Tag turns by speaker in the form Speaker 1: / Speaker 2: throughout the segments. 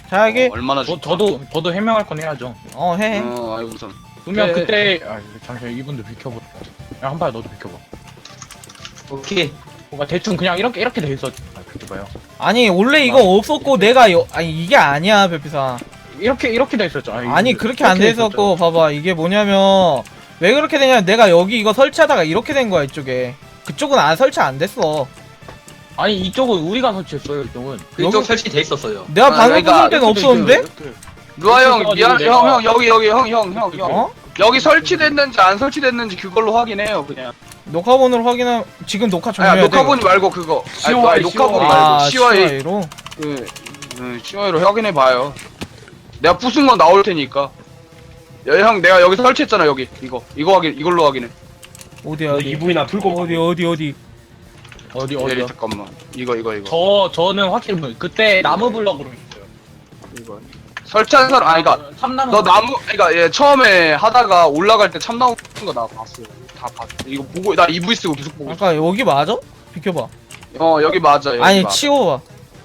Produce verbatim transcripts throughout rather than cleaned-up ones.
Speaker 1: 자 여기
Speaker 2: 어, 얼마나
Speaker 3: 저,
Speaker 2: 줄까?
Speaker 3: 저도 저도 해명할 건 해야죠.
Speaker 1: 어 해.
Speaker 2: 어, 아이고 우선.
Speaker 3: 그러면
Speaker 2: 네.
Speaker 3: 그때 아 잠시만 이분도 비켜봐. 야 한발 너도 비켜봐.
Speaker 4: 오케이.
Speaker 3: 뭔가 대충 그냥 이렇게 이렇게 돼 있었. 아 비켜봐요.
Speaker 1: 아니 원래 이거 없었고 내가 여, 아니 이게 아니야 별피사.
Speaker 3: 이렇게 이렇게 돼 있었죠. 아니,
Speaker 1: 아니
Speaker 3: 이거
Speaker 1: 그렇게 안
Speaker 3: 이렇게
Speaker 1: 돼 있었고 봐봐 이게 뭐냐면 왜 그렇게 되냐면 내가 여기 이거 설치하다가 이렇게 된 거야 이쪽에. 그쪽은 안 설치 안 됐어.
Speaker 3: 아니 이쪽은 우리가 설치했어요. 이쪽은.
Speaker 4: 이쪽
Speaker 1: 여기-
Speaker 4: 설치돼 있었어요.
Speaker 1: 내가
Speaker 2: 아,
Speaker 1: 방금
Speaker 2: 그러니까
Speaker 1: 부술 때는
Speaker 3: 이렇게 돼
Speaker 1: 없었는데?
Speaker 3: 있어요, 이렇게.
Speaker 2: 루아 형
Speaker 3: 이렇게
Speaker 2: 미안
Speaker 3: 해가지고
Speaker 2: 형
Speaker 3: 내가-
Speaker 2: 형 여기 여기 형 형 형 형
Speaker 1: 어?
Speaker 2: 여기 설치됐는지 안 설치됐는지 그걸로 확인해요 그냥.
Speaker 1: 녹화본으로 확인하 지금 녹화
Speaker 2: 아
Speaker 1: 종료해야 돼.
Speaker 2: 녹화본이 말고 그거. 아니,
Speaker 3: 씨오아이,
Speaker 2: 아니, 녹화본이
Speaker 3: 씨오아이.
Speaker 2: 말고
Speaker 1: 아
Speaker 2: 씨와이
Speaker 1: 씨와이로?
Speaker 2: 그 음, 씨와이로 확인해 봐요. 내가 부순 건 나올 테니까. 야, 형 내가 여기 설치했잖아 여기 이거 이거 확인 이걸로 확인해.
Speaker 1: 어디야 어디
Speaker 5: 이분이나 풀고
Speaker 1: 어디 어디 어디
Speaker 3: 어디
Speaker 2: 예,
Speaker 3: 어디요?
Speaker 2: 잠깐만 이거 이거 이거
Speaker 3: 저 저는 확실히 뭐- 그때 나무 블럭으로 했어요.
Speaker 2: 이거 설치한 사람 아니 그니까
Speaker 3: 참나무.
Speaker 2: 너 나무 그니까 얘 처음에 하다가 올라갈 때 참나무 거 나 봤어. 다 봤어. 이거 보고 나 이브이 쓰고 계속 보고 있어.
Speaker 1: 아까 여기 맞아? 비켜봐.
Speaker 2: 어 여기 맞아 여기
Speaker 1: 아니
Speaker 2: 맞아.
Speaker 1: 치워봐.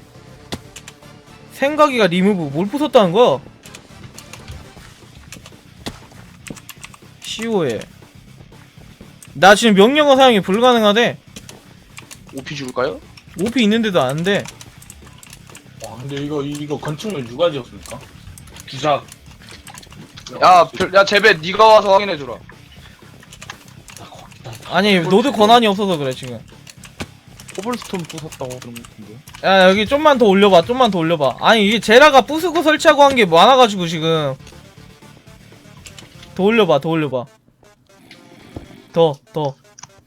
Speaker 1: 생각이가 리무브 뭘 부쉈다는 거야? 시오에 나 지금 명령어 사용이 불가능하대.
Speaker 2: 오피 줄까요?
Speaker 1: 오피 있는데도 안 돼.
Speaker 3: 와 근데 이거 이거 건축물 누가 지었습니까?
Speaker 5: 주작.
Speaker 2: 야, 별, 야 제배 네가 와서 확인해 주라.
Speaker 1: 아니 노드 권한이 없어서 그래 지금.
Speaker 3: 코블스톤 부쉈다고 그런 것 같은데.
Speaker 1: 야 여기 좀만 더 올려봐 좀만 더 올려봐. 아니 이게 제라가 부수고 설치하고 한 게 많아가지고 지금. 더 올려봐 더 올려봐. 더 더.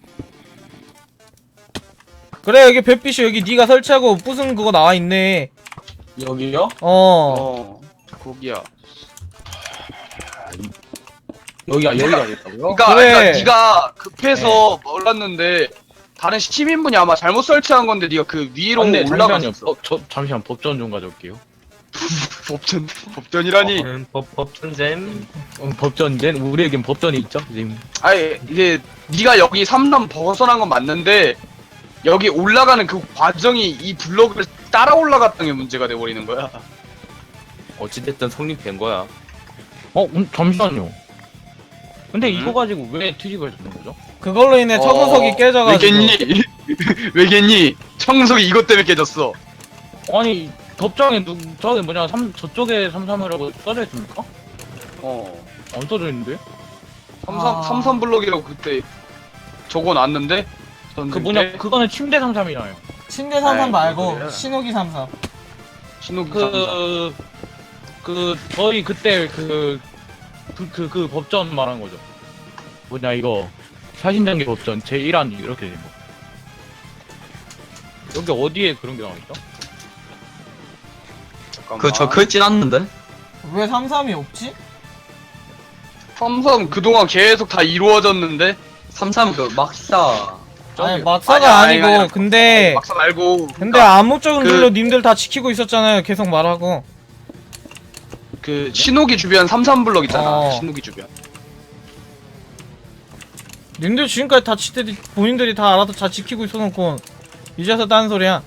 Speaker 1: 그래 여기 뱃빛이 여기 네가 설치하고 부순 그거 나와있네.
Speaker 3: 여기요?
Speaker 1: 어.
Speaker 2: 어, 거기야.
Speaker 3: 여기가 여기가 됐다고요?
Speaker 2: 그러니까,
Speaker 1: 그래.
Speaker 2: 그러니까 네가 급해서 몰랐는데 다른 시민분이 아마 잘못 설치한 건데 네가 그 위로
Speaker 3: 근데 잠시만요.
Speaker 2: 올라갔어.
Speaker 3: 어, 저 잠시만 법전 좀 가져올게요.
Speaker 2: 법전 법전이라니.
Speaker 4: 음, 법 법전잼.
Speaker 3: 어, 법전된 우리에겐 법전이 있죠 지금.
Speaker 2: 아니 이게 네가 여기 삼남 벗어난 건 맞는데 여기 올라가는 그 과정이 이 블록을 따라 올라갔던 게 문제가 돼 버리는 거야.
Speaker 4: 어찌됐든 성립된 거야.
Speaker 3: 어 음, 잠시만요. 근데
Speaker 2: 음?
Speaker 3: 이거 가지고 왜 트집을 잡는 거죠?
Speaker 1: 그걸로 인해 청소석이
Speaker 2: 어,
Speaker 1: 깨져가지고.
Speaker 2: 왜겠니? 왜겠니? 청소기 이것 때문에 깨졌어.
Speaker 3: 아니 법정에 누 저기 뭐냐 삼 저쪽에 삼삼이라고 써져 있습니까?
Speaker 2: 어.
Speaker 3: 안 써져 있는데?
Speaker 2: 삼삼
Speaker 1: 아.
Speaker 2: 삼삼 블록이라고 그때 적어놨는데.
Speaker 3: 그
Speaker 2: 썼는데
Speaker 3: 뭐냐 그거는 침대 삼삼이잖아요.
Speaker 1: 침대 삼삼
Speaker 2: 아이,
Speaker 1: 말고
Speaker 2: 그래.
Speaker 1: 신호기 삼삼.
Speaker 2: 신호기 삼삼.
Speaker 3: 그, 그, 저희 그때 그, 그, 그, 그 법전 말한 거죠. 뭐냐, 이거. 사신장기 법전 제일 안 이렇게 된 거. 여기 어디에 그런 게 나와있죠?
Speaker 2: 잠깐만.
Speaker 4: 그저 긁진 않는데.
Speaker 1: 왜 삼삼이 없지?
Speaker 2: 삼삼 그동안 계속 다 이루어졌는데.
Speaker 4: 삼삼 그 막사.
Speaker 1: 아니
Speaker 2: 저기-
Speaker 1: 막사가
Speaker 2: 아니, 아니,
Speaker 1: 아니고
Speaker 2: 아니,
Speaker 1: 근데
Speaker 2: 막사 말고.
Speaker 1: 근데
Speaker 2: 그러니까
Speaker 1: 암묵적인
Speaker 2: 그-
Speaker 1: 글로 님들 다 지키고 있었잖아요. 계속 말하고.
Speaker 2: 그 신호기 주변 삼삼 블록 있잖아.
Speaker 1: 어.
Speaker 2: 신호기 주변.
Speaker 1: 님들 지금까지 다 지들이 본인들이 다 알아서 다 지키고 있어놓고 이제서 딴 소리야.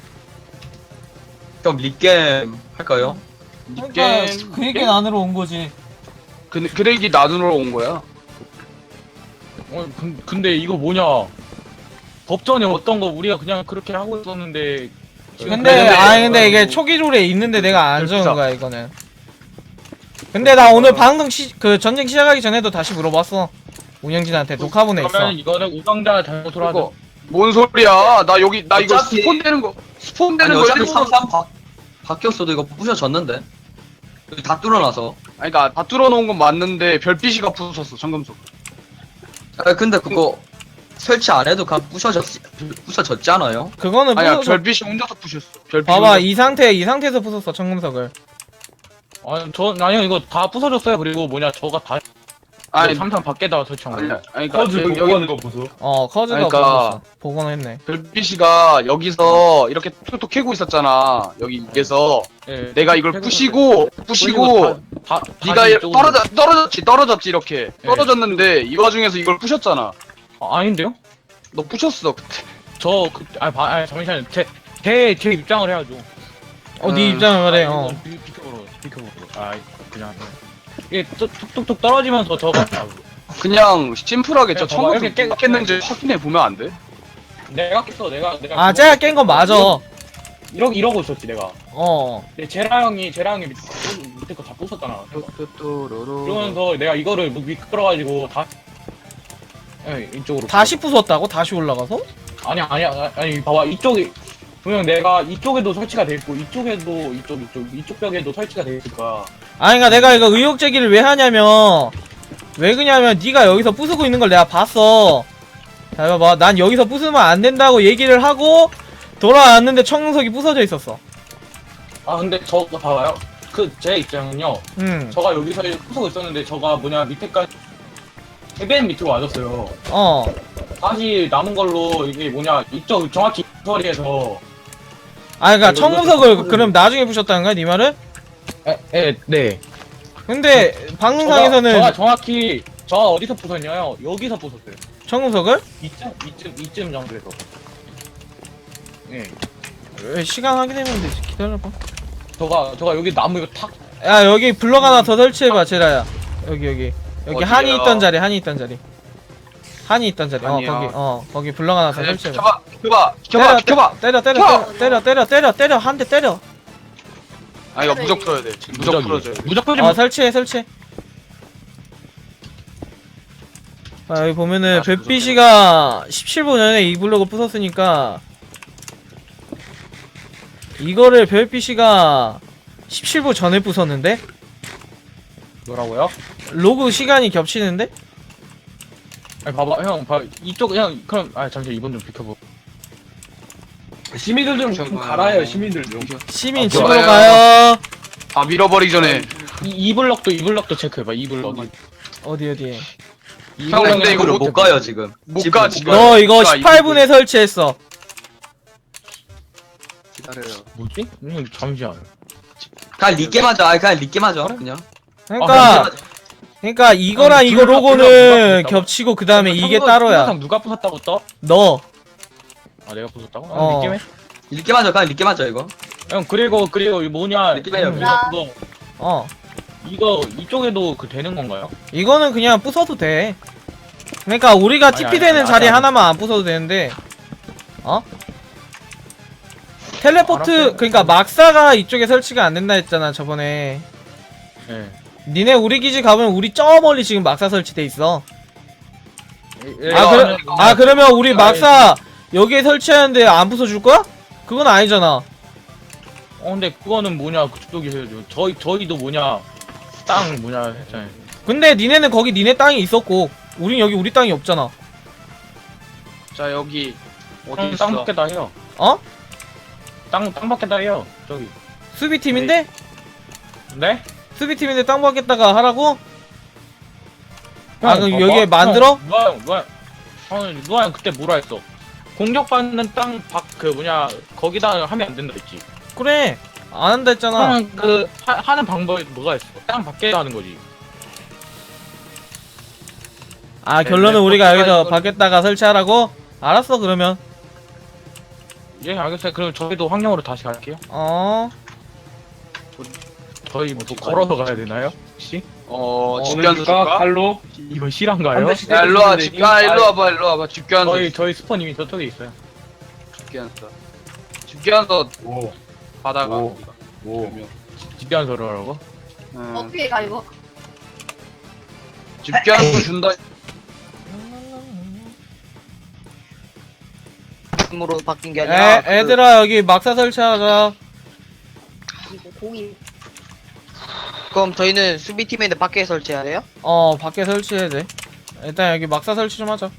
Speaker 4: 그럼 리게임 할까요?
Speaker 1: 그러니까
Speaker 2: 게임.
Speaker 1: 그 얘기 안으로 온 거지.
Speaker 2: 그 그레이기 나누러 온 거야.
Speaker 3: 어, 근- 근데 이거 뭐냐. 법전에 어떤 거 우리가 그냥 그렇게 하고 있었는데. 지금
Speaker 1: 근데
Speaker 2: 근데-
Speaker 1: 아니 근데 이게 초기조리에 있는데 내가 안 적은
Speaker 2: 진짜.
Speaker 1: 거야 이거는. 근데 나 오늘 방금 시, 그 전쟁 시작하기 전에도 다시 물어봤어. 운영진한테 녹화본에 있어.
Speaker 3: 그러면 이거는 우정자 잘못으로 하자.
Speaker 2: 그거 뭔 소리야? 나 여기 나 이거
Speaker 4: 어차피-
Speaker 2: 스폰 되는 거 스폰
Speaker 4: 아니
Speaker 2: 되는 거
Speaker 4: 어차피
Speaker 2: 일부러-
Speaker 4: 삼삼 바, 바뀌었어도 이거 부셔졌는데. 여기 다 뚫어놔서.
Speaker 2: 아니 그니까 다 뚫어놓은 건 맞는데 별빛이가 부쉈어 청금속.
Speaker 4: 아 근데 그거 설치 안 해도 그냥 부셔졌 부셔졌지 않아요?
Speaker 1: 그거는
Speaker 2: 아니야
Speaker 1: 부숴서
Speaker 2: 별빛이 혼자서 부셨어. 별빛이
Speaker 1: 봐봐
Speaker 2: 혼자서.
Speaker 1: 이 상태 이 상태에서 부쉈어 청금석을.
Speaker 3: 아니, 저, 아니요, 이거 다 부서졌어요. 그리고 뭐냐, 저가 다,
Speaker 2: 아니
Speaker 3: 삼삼 밖에다가 설치한
Speaker 2: 아니
Speaker 3: 거예요.
Speaker 2: 아니 그니까
Speaker 5: 커즈
Speaker 2: 여기,
Speaker 5: 보고
Speaker 2: 여기
Speaker 5: 하는 거 보소.
Speaker 1: 어 커즈가
Speaker 2: 그러니까-
Speaker 1: 부쉈어. 복원을 했네.
Speaker 2: 별빛이가 여기서 이렇게 톡톡 캐고 있었잖아. 여기 위에서
Speaker 3: 예,
Speaker 2: 내가 이걸
Speaker 3: 그리고-
Speaker 2: 부시고 부시고
Speaker 3: 다, 다,
Speaker 2: 네가
Speaker 3: 다시
Speaker 2: 이-
Speaker 3: 이쪽으로-
Speaker 2: 떨어져 떨어졌지 떨어졌지 이렇게
Speaker 3: 네.
Speaker 2: 떨어졌는데 이 와중에서 이걸 부셨잖아.
Speaker 3: 아, 아닌데요?
Speaker 2: 너 부셨어 그때.
Speaker 3: 저, 그, 아, 봐, 아, 잠시만요. 제, 제, 제 입장을 해야죠.
Speaker 1: 어, 네
Speaker 2: 음.
Speaker 1: 입장을 말해.
Speaker 3: 아,
Speaker 1: 어.
Speaker 3: 이거 비- 비켜보러 비켜보러. 아 그냥 이게 뚝- 뚝뚝뚝 떨어지면서 저거
Speaker 2: 그냥 심플하게 저
Speaker 3: 그냥 봐봐,
Speaker 2: 청소
Speaker 3: 이렇게 깨-
Speaker 2: 깼는지 확인해 보면 안 돼?
Speaker 3: 내가 깼어 내가 내가
Speaker 1: 아,
Speaker 3: 그거
Speaker 1: 쟤가 깬 거 맞아.
Speaker 3: 이러 이러고 있었지 내가.
Speaker 1: 어.
Speaker 3: 근데 제라 형이 제라 형이 밑에, 거- 밑에 거 다 부쉈잖아. 그러면서 내가 이거를 뭐 미끄러가지고 다 예, 이쪽으로
Speaker 1: 다시 부쉈다고? 다시 올라가서?
Speaker 3: 아니야 아니야 아니, 아니 봐봐 이쪽이 분명 내가 이쪽에도 설치가 돼 있고 이쪽에도 이쪽 이쪽 이쪽 벽에도 설치가 돼 있을까.
Speaker 1: 아니, 그니까 내가 이거 의혹 제기를 왜 하냐면, 왜 그냐면, 네가 여기서 부수고 있는 걸 내가 봤어. 자, 봐봐. 난 여기서 부수면 안 된다고 얘기를 하고, 돌아왔는데 청소기 부서져 있었어.
Speaker 3: 아 근데 저거 봐봐요. 그 제 입장은요.
Speaker 1: 응.
Speaker 3: 저가 여기서 부수고 있었는데 저가 뭐냐 밑에까지 맨 밑으로 와줬어요.
Speaker 1: 어.
Speaker 3: 다시 남은 걸로 이게 뭐냐 이쪽 정확히 이 거리에서
Speaker 1: 아, 그니까
Speaker 3: 이거-
Speaker 1: 청구석을
Speaker 3: 이거-
Speaker 1: 그럼 나중에 부셨다는 거야, 네 말은?
Speaker 3: 에, 에, 네.
Speaker 1: 근데 방송상에서는
Speaker 3: 저가 정확히 저 어디서 부쉈냐요? 여기서 부쉈어요.
Speaker 1: 청구석을?
Speaker 3: 이쯤 이쯤 이쯤 정도에서. 네.
Speaker 1: 왜 시간 확인해보면 되지. 기다려봐.
Speaker 3: 저가 저가 여기 나무 이거 탁.
Speaker 1: 야, 여기 블럭 하나 더 설치해봐, 제라야. 여기, 여기. 여기
Speaker 2: 어디요?
Speaker 1: 한이 있던 자리, 한이 있던 자리. 한이 있던 자리. 어,
Speaker 2: 한이요?
Speaker 1: 거기, 어, 거기 블럭 하나 더
Speaker 2: 아니,
Speaker 1: 설치해봐.
Speaker 2: 비켜봐 비켜봐 비켜봐 비켜봐.
Speaker 1: 때려, 때려, 때려, 때려, 때려, 때려, 때려, 한 대 때려.
Speaker 2: 아 이거 무적 풀어야 돼. 지금 무적 풀어줘야 돼.
Speaker 3: 무적 풀지
Speaker 1: 어, 설치해, 설치해. 아, 여기 보면은,
Speaker 2: 아,
Speaker 1: 벳비씨가 십칠 분 전에 이 블럭을 부쉈으니까, 이거를 벳비씨가 십칠 분 전에 부쉈는데?
Speaker 3: 뭐라고요?
Speaker 1: 로그 시간이 겹치는데?
Speaker 3: 아니 봐봐 형 봐 이쪽 형 그럼 아 잠시 이번 좀 비켜보. 시민들 좀, 좀 갈아요 시민들 좀.
Speaker 1: 시민
Speaker 3: 아,
Speaker 1: 집으로
Speaker 2: 좋아요.
Speaker 1: 가요.
Speaker 2: 다 밀어버리기 전에.
Speaker 3: 이, 이 블럭도 이 블럭도 체크해봐 이 블럭.
Speaker 1: 어디, 어디.
Speaker 3: 이
Speaker 2: 형,
Speaker 3: 블럭은
Speaker 2: 근데 이거
Speaker 4: 집으로
Speaker 3: 체크-
Speaker 4: 못 가요 지금.
Speaker 2: 못
Speaker 4: 집으로
Speaker 2: 가,
Speaker 4: 못
Speaker 2: 지금.
Speaker 4: 가요.
Speaker 1: 너 이거
Speaker 2: 이거
Speaker 1: 십팔 분에 설치했어.
Speaker 2: 기다려요.
Speaker 3: 뭐지? 음, 잠시만.
Speaker 4: 그냥 리게 맞아. 아니 그냥 리게 맞아. 그냥.
Speaker 1: 그러니까,
Speaker 4: 어,
Speaker 1: 그러니까 이거랑
Speaker 3: 아니,
Speaker 1: 이거
Speaker 3: 둘 다-
Speaker 1: 로고는
Speaker 3: 둘다 부쉈다고?
Speaker 1: 겹치고 그 다음에 이게
Speaker 3: 청소-
Speaker 1: 따로야.
Speaker 3: 청소상 누가 부쉈다고 떠?
Speaker 1: 너.
Speaker 3: 아 내가 부쉈다고?
Speaker 1: 어.
Speaker 3: 아, 느낌에?
Speaker 4: 리게 맞아. 그냥 리게 맞아 이거.
Speaker 3: 형 그리고 그리고 이 뭐냐
Speaker 4: 느낌이 해요,
Speaker 3: 음,
Speaker 5: 그냥.
Speaker 3: 이거
Speaker 1: 어.
Speaker 3: 이거 이쪽에도 그 되는 건가요?
Speaker 1: 이거는 그냥 부숴도 돼. 그러니까 우리가
Speaker 3: 아니,
Speaker 1: 티피
Speaker 3: 아니,
Speaker 1: 되는
Speaker 3: 아니,
Speaker 1: 자리
Speaker 3: 아니.
Speaker 1: 하나만 안 부숴도 되는데. 어? 텔레포트,
Speaker 3: 알았어요.
Speaker 1: 그러니까 막사가 이쪽에 설치가 안 된다 했잖아, 저번에.
Speaker 3: 예.
Speaker 1: 니네 우리 기지 가면 우리 저 멀리 지금 막사 설치돼 있어.
Speaker 3: 예,
Speaker 1: 아,
Speaker 3: 예,
Speaker 1: 그래,
Speaker 3: 아니,
Speaker 1: 아, 그러면 우리
Speaker 3: 아니,
Speaker 1: 막사 여기에 설치하는데 안 부숴줄 거야? 그건 아니잖아.
Speaker 3: 어 근데 그거는 뭐냐 그쪽이 해야죠. 저희 저희도 뭐냐 땅 뭐냐 했잖아요.
Speaker 1: 근데 니네는 거기 니네 땅이 있었고, 우린 여기 우리 땅이 없잖아.
Speaker 2: 자 여기 어디
Speaker 3: 땅,
Speaker 2: 있어?
Speaker 3: 땅 밖에다 해요.
Speaker 1: 어?
Speaker 3: 땅 땅 밖에다 해요. 저기.
Speaker 1: 수비팀인데?
Speaker 3: 네?
Speaker 1: 수비팀인데 땅 받겠다가 하라고? 아,
Speaker 3: 형,
Speaker 1: 그럼
Speaker 3: 봐봐.
Speaker 1: 여기에 만들어?
Speaker 3: 형, 누가 형 누가 형 누가 형 그때 뭐라 했어? 공격받는 땅 밖 그 뭐냐 거기다 하면 안 된다 했지.
Speaker 1: 그래. 안 한다 했잖아.
Speaker 3: 형은 그 하, 하는 방법이 뭐가 있어? 땅 밖에 하는 거지.
Speaker 1: 아,
Speaker 3: 네,
Speaker 1: 결론은
Speaker 3: 네,
Speaker 1: 우리가
Speaker 3: 버티가
Speaker 1: 여기서
Speaker 3: 이거를-
Speaker 1: 받겠다가 설치하라고? 알았어, 그러면.
Speaker 3: 예 알겠어요. 그럼 저희도 황령으로 다시 갈게요.
Speaker 1: 어.
Speaker 3: 저희 뭐 걸어서 가야 되나요? 혹시?
Speaker 2: 어 집견서 줄까?
Speaker 3: 칼로? 이거 실한가요?
Speaker 2: 야 일로 와 집견 일로 와봐 일로 와봐 집견서
Speaker 3: 저희 저희 스포님이 저쪽에 있어요.
Speaker 2: 집견서 집견서
Speaker 3: 오.
Speaker 2: 받아가.
Speaker 3: 오. 오. 집단서를 하라고?
Speaker 2: 응.
Speaker 5: 어떻게 가 이거?
Speaker 2: 집견서 준다.
Speaker 6: 으로 바뀐 게
Speaker 1: 애,
Speaker 6: 아니라 그-
Speaker 1: 애들아, 여기 막사 설치하자.
Speaker 5: 이거 고기.
Speaker 6: 그럼 저희는 수비팀인데 밖에 설치해야 돼요?
Speaker 1: 어, 밖에 설치해야 돼. 일단 여기 막사 설치 좀 하자.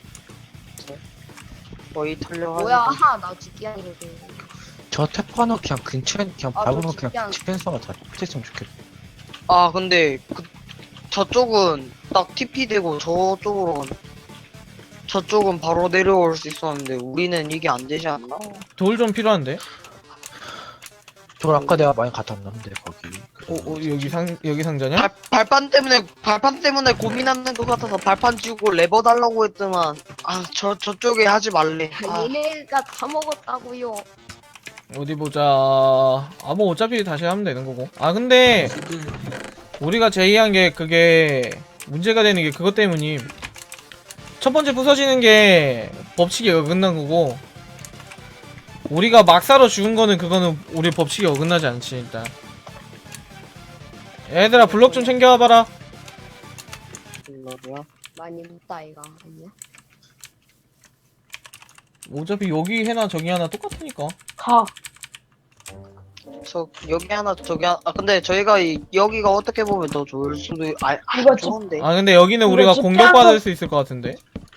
Speaker 6: 거의 털려가지고
Speaker 5: 뭐야? 하, 나 죽기 아니거든.
Speaker 7: 저 태포하나 그냥 근처에 그냥
Speaker 5: 아,
Speaker 7: 밟으면
Speaker 5: 너
Speaker 7: 그냥
Speaker 5: 그냥-
Speaker 7: 디펜서가 다 됐으면 좋겠다.
Speaker 6: 아 근데 그, 저쪽은 딱 티피 되고 저쪽으로 저쪽은 바로 내려올 수 있었는데 우리는 이게 안 되지 않나?
Speaker 1: 돌 좀 필요한데?
Speaker 7: 저걸 아까 내가 많이 갖다 놨는데 거기.
Speaker 1: 어, 어, 여기 상, 여기 상자냐?
Speaker 6: 발, 발판 때문에 발판 때문에 고민하는 것 같아서 발판 주고 레버 달라고 했더만 아 저 저쪽에 하지 말래. 아,
Speaker 5: 얘네가 다 먹었다고요.
Speaker 1: 어디 보자. 아, 뭐 어차피 다시 하면 되는 거고. 아, 근데 우리가 제의한 게 그게 문제가 되는 게 그것 때문임. 첫 번째 부서지는 게 법칙이 어긋난 거고, 우리가 막사로 죽은 거는 그거는 우리 법칙이 어긋나지 않지. 일단 얘들아 블록 좀 챙겨와봐라.
Speaker 6: 블럭이야?
Speaker 5: 많이 묻다 이가 아니야?
Speaker 1: 어차피 여기 하나 저기 하나 똑같으니까.
Speaker 7: 가.
Speaker 6: 저 여기 하나 저기 하나 아 근데 저희가 이, 여기가 어떻게 보면 더 좋을 수도 있- 아, 아
Speaker 7: 이거 집-
Speaker 6: 좋은데
Speaker 1: 아 근데 여기는
Speaker 7: 이거
Speaker 1: 우리가
Speaker 7: 집
Speaker 1: 공격받을
Speaker 7: 빼앗아-
Speaker 1: 수 있을 것 같은데.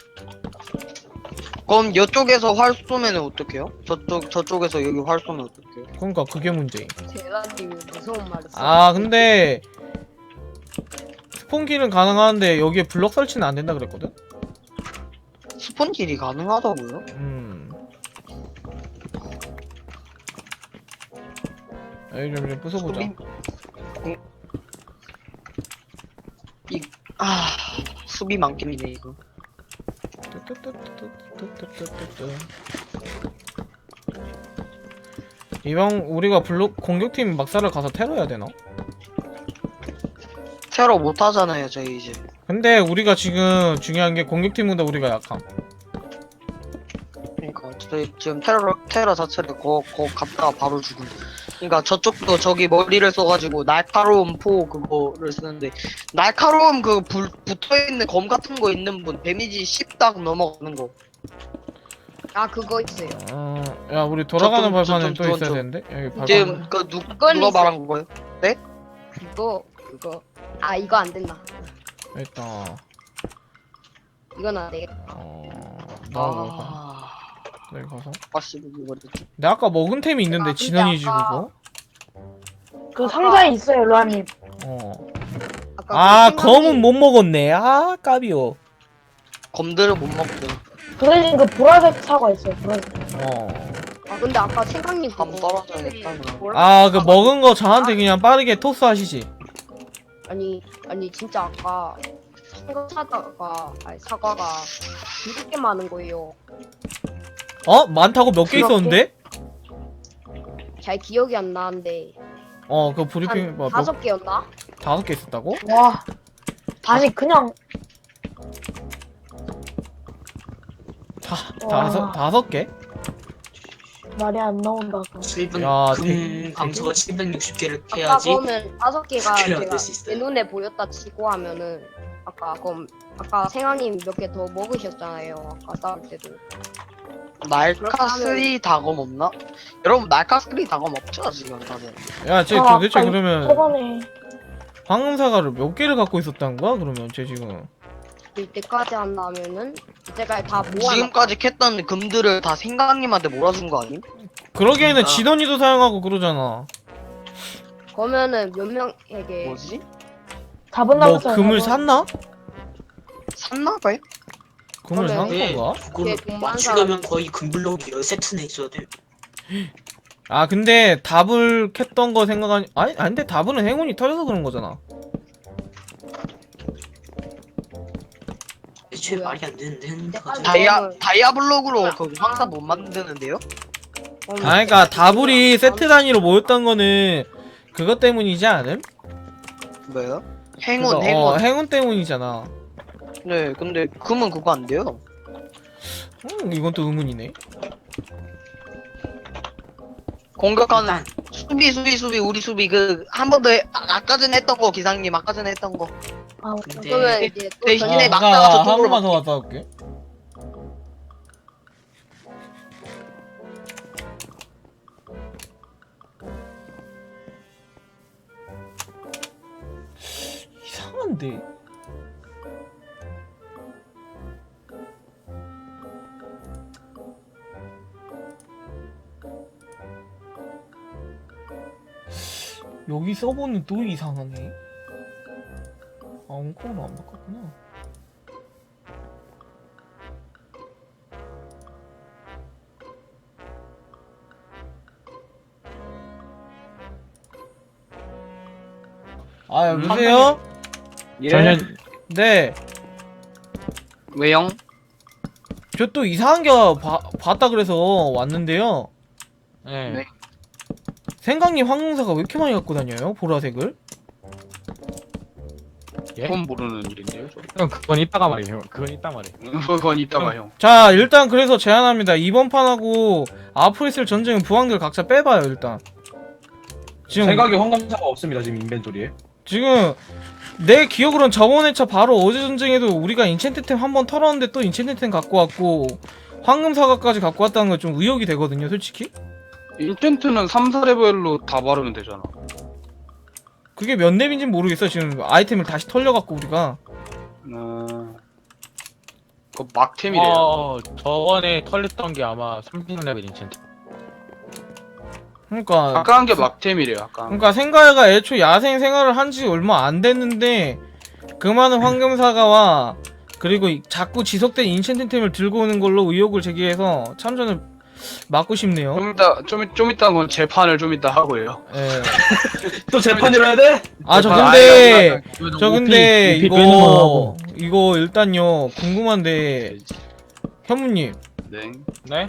Speaker 6: 그럼 이쪽에서 활 쏘면 어떡해요? 저쪽 저쪽에서 여기 활 쏘면 어떡해요?
Speaker 1: 그러니까 그게 문제.
Speaker 5: 제라님이 무서운 말을 써.
Speaker 1: 아 근데 스폰킬은 가능한데 여기에 블럭 설치는 안 된다 그랬거든.
Speaker 6: 스폰킬이 가능하다고요?
Speaker 1: 음. 여기 좀, 좀 부숴보자.
Speaker 6: 수비- 공- 이, 아 수비 만겜이네 이거.
Speaker 1: 이번 우리가 블록 공격팀 막사를 가서 테러해야 되나?
Speaker 6: 테러 못 하잖아요 저희 이제.
Speaker 1: 근데 우리가 지금 중요한 게 공격팀보다 우리가 약함.
Speaker 6: 그러니까 저희 지금 테러 테러 자체를 거, 거 갔다가 바로 죽음. 그러니까 저쪽도 저기 머리를 써가지고 날카로운 포 그거를 쓰는데 날카로운 그 불, 붙어있는 검 같은 거 있는 분 데미지 십 딱 넘어가는 거.
Speaker 5: 아 그거 있어요.
Speaker 1: 어, 야 우리 돌아가는
Speaker 6: 저 좀- 저
Speaker 1: 발판은
Speaker 6: 좀-
Speaker 1: 또
Speaker 6: 저
Speaker 1: 있어야
Speaker 6: 좀-
Speaker 1: 되는데 여기 발판.
Speaker 6: 지금 그 누,
Speaker 5: 그건
Speaker 6: 누가
Speaker 5: 있어요.
Speaker 6: 말한 거예요?
Speaker 5: 그거 그거 아 이거 안 된다.
Speaker 1: 일단
Speaker 5: 이건 안 돼.
Speaker 1: 어 나와볼까?
Speaker 6: 아,
Speaker 1: 여기 가서.
Speaker 6: 아씨 이거 됐지.
Speaker 1: 내가 아까 먹은 템이 있는데
Speaker 5: 아, 근데
Speaker 1: 진원이 지
Speaker 5: 아까-
Speaker 1: 그거.
Speaker 7: 그 상자에 있어요, 로아님.
Speaker 1: 어.
Speaker 5: 아까
Speaker 1: 아
Speaker 5: 그
Speaker 1: 검은
Speaker 5: 생각이-
Speaker 1: 못 먹었네. 아 까비오.
Speaker 6: 검들을 못 먹죠.
Speaker 7: 그 대신 그 보라색 사과 있어요, 보라색.
Speaker 1: 어.
Speaker 5: 아 근데 아까 생각님
Speaker 6: 감 떨어져야겠다, 그럼.
Speaker 1: 아 그 먹은 거 저한테 그냥 빠르게 토스 하시지.
Speaker 5: 아니 아니 진짜 아까 사과 사다가 아니 사과가 이렇게 많은 거예요.
Speaker 1: 어? 많다고 몇 개
Speaker 7: 그렇게?
Speaker 1: 있었는데?
Speaker 5: 잘 기억이 안 나는데
Speaker 1: 어 그 브리핑
Speaker 5: 한
Speaker 1: 뭐, 몇,
Speaker 5: 다섯 개였나?
Speaker 1: 다섯 개 있었다고?
Speaker 7: 와. 아니, 그냥,
Speaker 1: 다
Speaker 7: 와.
Speaker 1: 다섯 다섯 개?
Speaker 7: 말이 안 나온다.
Speaker 8: 칠분
Speaker 1: 야,
Speaker 8: 금
Speaker 1: 되게-
Speaker 8: 강소가 칠백육십 개를
Speaker 5: 아까
Speaker 8: 캐야지
Speaker 5: 그러면 다섯 개가
Speaker 8: 스킬을
Speaker 5: 제가
Speaker 8: 얻을 수 있어요.
Speaker 5: 내 눈에 보였다 치고 하면은 아까 그럼 아까 생황님 몇 개 더 먹으셨잖아요. 아까 싸울 때도.
Speaker 6: 날카 쓰리 다검 없나? 여러분 날카 쓰리 다검 없죠 지금 다들.
Speaker 1: 야쟤
Speaker 7: 아,
Speaker 1: 도대체
Speaker 7: 아까
Speaker 1: 그러면
Speaker 7: 저번에,
Speaker 1: 황금 사과를 몇 개를 갖고 있었다는 거야? 그러면 쟤 지금
Speaker 5: 이때까지 한다면은 이때까지 다 모아.
Speaker 6: 지금까지 캤던 금들을 다 생강님한테 몰아준 거 아님?
Speaker 1: 그러기에는
Speaker 8: 그러니까.
Speaker 1: 진원이도 사용하고 그러잖아.
Speaker 5: 그러면은 몇 명에게
Speaker 6: 뭐지?
Speaker 7: 잡은
Speaker 1: 뭐
Speaker 7: 남았어요.
Speaker 1: 금을 샀나?
Speaker 6: 샀나 봐요?
Speaker 1: 금을 산
Speaker 8: 네,
Speaker 1: 건가?
Speaker 8: 그걸
Speaker 5: 그게
Speaker 8: 맞추려면 거의 금블록이 열세트나 있어야 돼.
Speaker 1: 아 근데 답을 캤던 거 생각하니 아니 아니 근데 답은 행운이 터져서 그런 거잖아.
Speaker 8: 애초에
Speaker 5: 뭐야?
Speaker 8: 말이 안 되는데 했는데
Speaker 5: 아,
Speaker 8: 가지고.
Speaker 6: 다이아
Speaker 5: 다음은-
Speaker 6: 다이아블록으로 그 황사 못 만드는데요?
Speaker 5: 어,
Speaker 1: 아 그러니까 다불이 세트 단위로 모였던 거는 그것 때문이지 않음?
Speaker 6: 뭐요? 행운
Speaker 1: 그거,
Speaker 6: 행운.
Speaker 1: 어, 행운 때문이잖아.
Speaker 6: 네, 근데 금은 그거 안 돼요.
Speaker 1: 음, 이건 또 의문이네.
Speaker 6: 공격하는
Speaker 8: 일단
Speaker 6: 수비 수비 수비 우리 수비 그 한 번 더 아, 아까 전에 했던 거 기상님 아까 전에 했던 거.
Speaker 7: 아,
Speaker 5: 그러면
Speaker 8: 근데
Speaker 5: 이제 또
Speaker 6: 대신에
Speaker 5: 전에
Speaker 6: 막-
Speaker 5: 막
Speaker 6: 막다가
Speaker 1: 아, 한
Speaker 6: 저쪽으로
Speaker 1: 번만 더 갔다 올게. 이상한데. 여기 서버는 또 이상하네. 아, 엉코는 안 바꿨구나. 아, 여보세요?
Speaker 3: 전현
Speaker 1: 네.
Speaker 6: 왜요?
Speaker 1: 저 또 이상한 거 봐, 봤다 그래서 왔는데요.
Speaker 3: 네.
Speaker 6: 네.
Speaker 1: 생강님 황금사가 왜 이렇게 많이 갖고 다녀요? 보라색을?
Speaker 3: 예?
Speaker 2: 그건 모르는 일인데요. 저.
Speaker 3: 형 그건 이따가 말이에요. 그건 이따 말이에요.
Speaker 2: 그건 이따가 형.
Speaker 1: 자 일단 그래서 제안합니다. 이번 판하고 앞으로 있을 전쟁은 부왕들 각자 빼봐요 일단. 지금
Speaker 9: 생각에 황금사가 없습니다 지금 인벤토리에.
Speaker 1: 지금 내 기억으론 저번 회차 바로 어제 전쟁에도 우리가 인챈트템 한 번 털었는데 또 인챈트템 갖고 왔고 황금사과까지 갖고 왔다는 건 좀 의혹이 되거든요 솔직히.
Speaker 2: 인텐트는 삼, 사 레벨로 다 바르면 되잖아.
Speaker 1: 그게 몇 렙인진 모르겠어. 지금 아이템을 다시 털려갖고 우리가.
Speaker 2: 어... 그거 막템이래요.
Speaker 3: 어, 저번에 털렸던 게 아마 삼십 레벨 인챈트.
Speaker 1: 그러니까
Speaker 2: 아까 한 게 막템이래요. 아까.
Speaker 1: 그러니까 생가야가 애초 야생 생활을 한 지 얼마 안 됐는데 그 많은 황금사과와 그리고 이- 자꾸 지속된 인챈트템을 들고 오는 걸로 의혹을 제기해서 참전을 막고 싶네요.
Speaker 2: 좀 이따 좀, 좀 이따 건 재판을 좀 이따 하고요.
Speaker 1: 예.
Speaker 9: 또 재판을 해야 돼?
Speaker 1: 아 저
Speaker 2: 재판-
Speaker 1: 근데
Speaker 2: 아니, 아니, 아니.
Speaker 1: 저 근데
Speaker 3: 오피
Speaker 1: 이거
Speaker 3: 빼는 거 하고.
Speaker 1: 이거 일단요 궁금한데 현무님
Speaker 2: 네.
Speaker 3: 네?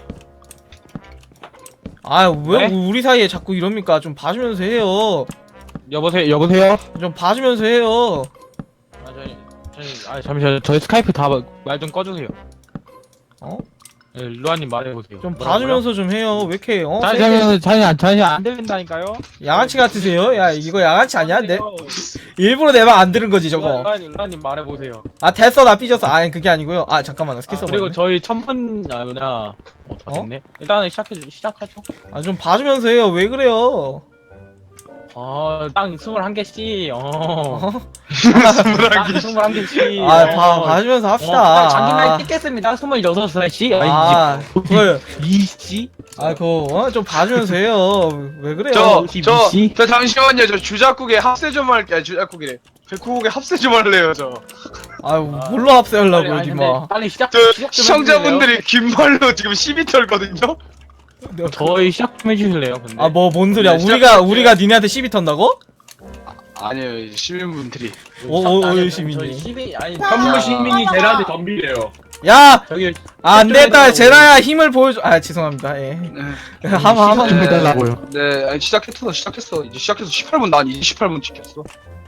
Speaker 1: 아 왜
Speaker 3: 네?
Speaker 1: 우리 사이에 자꾸 이럽니까? 좀 봐주면서 해요.
Speaker 3: 여보세요. 여보세요.
Speaker 1: 좀 봐주면서 해요.
Speaker 3: 아 저희 저희 아 잠시만요. 저희 스카이프 다 말 좀 꺼주세요.
Speaker 1: 어?
Speaker 3: 예, 루아님 말해보세요.
Speaker 1: 좀 봐주면서 좀 해요. 왜 이렇게 어?
Speaker 3: 자니
Speaker 1: 세게
Speaker 3: 자니 자니 자니 안 들린다니까요.
Speaker 1: 양아치 같으세요? 야 이거 양아치 아니야? 내 일부러 내 말 안 들은 거지 저거.
Speaker 3: 루아님 루아님 말해보세요.
Speaker 1: 아 됐어 나 삐졌어. 아니 그게 아니고요. 아 잠깐만 나 스킬
Speaker 3: 아,
Speaker 1: 써봐.
Speaker 3: 그리고 저희 천번 아 뭐냐 어, 다
Speaker 1: 어?
Speaker 3: 됐네. 일단은 시작해 시작하죠.
Speaker 1: 아좀 봐주면서 해요. 왜 그래요?
Speaker 3: 어땅 스물한 개씩. 어.
Speaker 1: 어?
Speaker 3: 땅 스물한 개씩.
Speaker 1: 아 봐, 봐주면서 합시다.
Speaker 3: 어, 자기 나이 찍겠습니다. 스물여섯 살씩.
Speaker 1: 아, 그걸
Speaker 3: 이씨.
Speaker 1: 아 그거 어? 좀 봐주면서 해요. 왜 그래요?
Speaker 2: 저,
Speaker 3: 씨,
Speaker 2: 저,
Speaker 3: 씨.
Speaker 2: 저 잠시만요. 저 주작국에 합세 좀 할게요. 아니, 주작국이래. 백호국에 합세 좀 할래요, 저.
Speaker 1: 아 뭘로 합세하려고
Speaker 3: 아니,
Speaker 1: 니마.
Speaker 3: 근데 빨리 시작.
Speaker 2: 저
Speaker 3: 시작 좀
Speaker 2: 시청자분들이 긴 말로 지금 시비 털거든요?
Speaker 3: 해주실래요? 저희 시작 좀 해주실래요? 근데.
Speaker 1: 아 뭐 뭔 소리야?
Speaker 2: 네,
Speaker 1: 우리가
Speaker 2: 시작할게요.
Speaker 1: 우리가 니네한테 시비 턴다고?
Speaker 2: 아니요, 시민분들이.
Speaker 1: 오, 오, 오, 시민이.
Speaker 3: 시민이 아니.
Speaker 9: 현무 시민이 제라한테 덤비래요.
Speaker 1: 야,
Speaker 3: 저기
Speaker 1: 아, 안 되겠다.
Speaker 3: 좀
Speaker 1: 제라야 힘을 보여줘. 아 죄송합니다. 예.
Speaker 2: 네.
Speaker 1: 하마 하마.
Speaker 3: 좀 해달라고요.
Speaker 2: 네, 아니, 시작했어, 시작했어. 이제 시작해서 십팔 분, 난 이제 십팔 분 지켰어.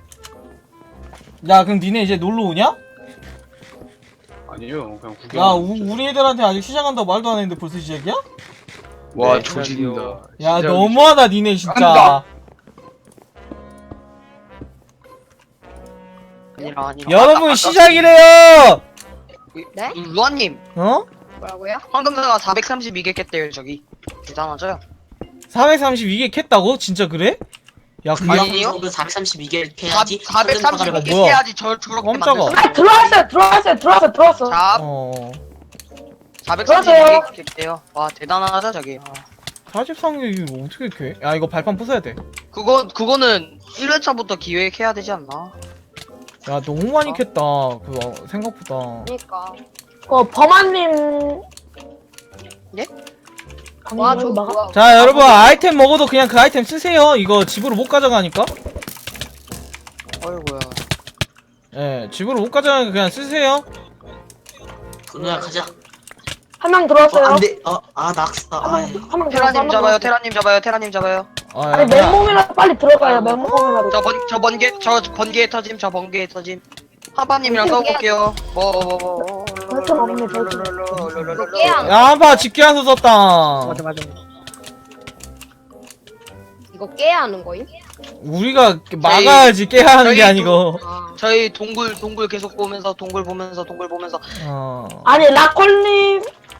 Speaker 1: 야 그럼 니네 이제 놀러 오냐?
Speaker 2: 아니요, 그냥 구경.
Speaker 1: 야 우, 우리 애들한테 아직 시작한다고 말도 안 했는데 벌써 시작이야?
Speaker 2: 와,
Speaker 3: 네,
Speaker 2: 조진다.
Speaker 1: 야
Speaker 2: 진짜
Speaker 1: 너무하다 니네 진짜.
Speaker 2: 한다.
Speaker 6: 아니라 아니라.
Speaker 1: 여러분
Speaker 6: 아까-
Speaker 1: 시작이래요.
Speaker 5: 네?
Speaker 6: 음, 루아님
Speaker 1: 어?
Speaker 5: 뭐라고요?
Speaker 6: 황금사가 사백삼십이 개 깼대요 저기. 대단하죠?
Speaker 1: 사백삼십이 개 캤다고? 진짜 그래? 야 그게
Speaker 6: 아니요.
Speaker 8: 부양석을 사백삼십이 개를 캐야지.
Speaker 6: 사백삼십이 개
Speaker 1: 뭐야?
Speaker 6: 깨야지 저 저렇게
Speaker 1: 깜짝아.
Speaker 6: 만들.
Speaker 5: 아 들어왔어요 들어왔어요 들어왔어 들어왔어.
Speaker 6: 자,
Speaker 1: 어.
Speaker 6: 사백삼십이 개 깼대요. 와 대단하다 저기. 아.
Speaker 1: 사십삼 개 이거 어떻게 캐? 야 이거 발판 부숴야 돼.
Speaker 6: 그거 그거는 일 회차부터 기획해야 되지 않나?
Speaker 1: 야 너무 많이 캤다. 그거 생각보다.
Speaker 5: 그러니까.
Speaker 10: 어, 범아님.
Speaker 6: 예?
Speaker 5: 와 저 뭐야?
Speaker 1: 자 여러분 아이템 먹어도 그냥 그 아이템 쓰세요. 이거 집으로 못 가져가니까.
Speaker 6: 어이구야.
Speaker 1: 예, 집으로 못 가져가니까 그냥 쓰세요.
Speaker 8: 그누야 가자.
Speaker 10: 한 명
Speaker 8: 어,
Speaker 10: 들어왔어요.
Speaker 8: 안 돼. 어, 아 낙사. 아,
Speaker 10: 한명
Speaker 6: 테라님 잡아요. 테라님 잡아요. 테라님 잡아요.
Speaker 1: 아,
Speaker 10: 아니
Speaker 1: 야,
Speaker 10: 맨몸이라도 빨리 들어가요. 맨몸이라도.
Speaker 6: 저 번 저 번개 저 번개에 터짐. 저 번개에 터짐. 하바님이랑 싸워볼게요. 뭐.
Speaker 10: 절대 없네, 절대.
Speaker 5: 이거 깨야
Speaker 1: 야, 한파 집게한서 썼다.
Speaker 6: 맞아 맞아.
Speaker 5: 이거 깨야 하는 거임?
Speaker 1: 우리가 막아야지 깨야 하는 게
Speaker 6: 저희
Speaker 1: 아니고.
Speaker 5: 아.
Speaker 6: 저희 동굴 동굴 계속 보면서 동굴 보면서 동굴 보면서
Speaker 1: 어.
Speaker 10: 아니 라콜님.